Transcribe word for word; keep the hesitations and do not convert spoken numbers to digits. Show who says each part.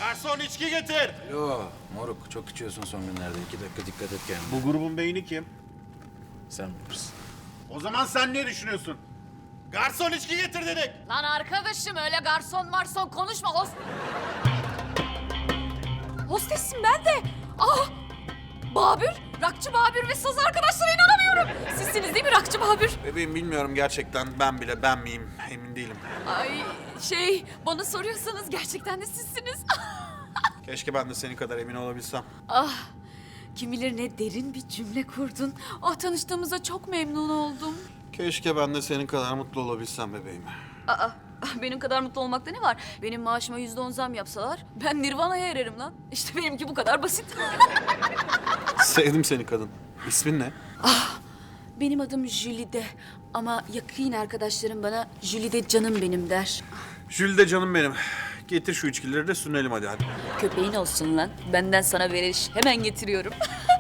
Speaker 1: Garson içki getir.
Speaker 2: Yo moruk çok içiyorsun son günlerde. İki dakika dikkat et kendine.
Speaker 1: Bu grubun beyni kim?
Speaker 2: Sen bilirsin.
Speaker 1: O zaman sen ne düşünüyorsun? Garson içki getir dedik.
Speaker 3: Lan arkadaşım öyle garson marson konuşma. Host... Hostessin ben de. Ah! Babür, Rakçı Babür ve saz arkadaşlara inanamıyorum. Sizsiniz değil mi Rakçı Babür?
Speaker 4: Bebeğim bilmiyorum gerçekten ben bile ben miyim emin değilim.
Speaker 3: Ay şey bana soruyorsanız gerçekten de sizsiniz.
Speaker 4: Keşke ben de senin kadar emin olabilsem.
Speaker 3: Ah kim bilir ne derin bir cümle kurdun. Ah tanıştığımıza çok memnun oldum.
Speaker 4: Keşke ben de senin kadar mutlu olabilsem bebeğim.
Speaker 3: Aa benim kadar mutlu olmakta ne var? Benim maaşıma yüzde on zam yapsalar ben Nirvana'ya ererim lan. İşte benimki bu kadar basit.
Speaker 4: Sevdim seni kadın. İsmin ne?
Speaker 3: Benim adım Jülide ama yakın arkadaşlarım bana Jülide canım benim der.
Speaker 4: Jülide canım benim. Getir şu içkileri de sünelim hadi hadi.
Speaker 3: Köpeğin olsun lan. Benden sana veriş. Hemen getiriyorum.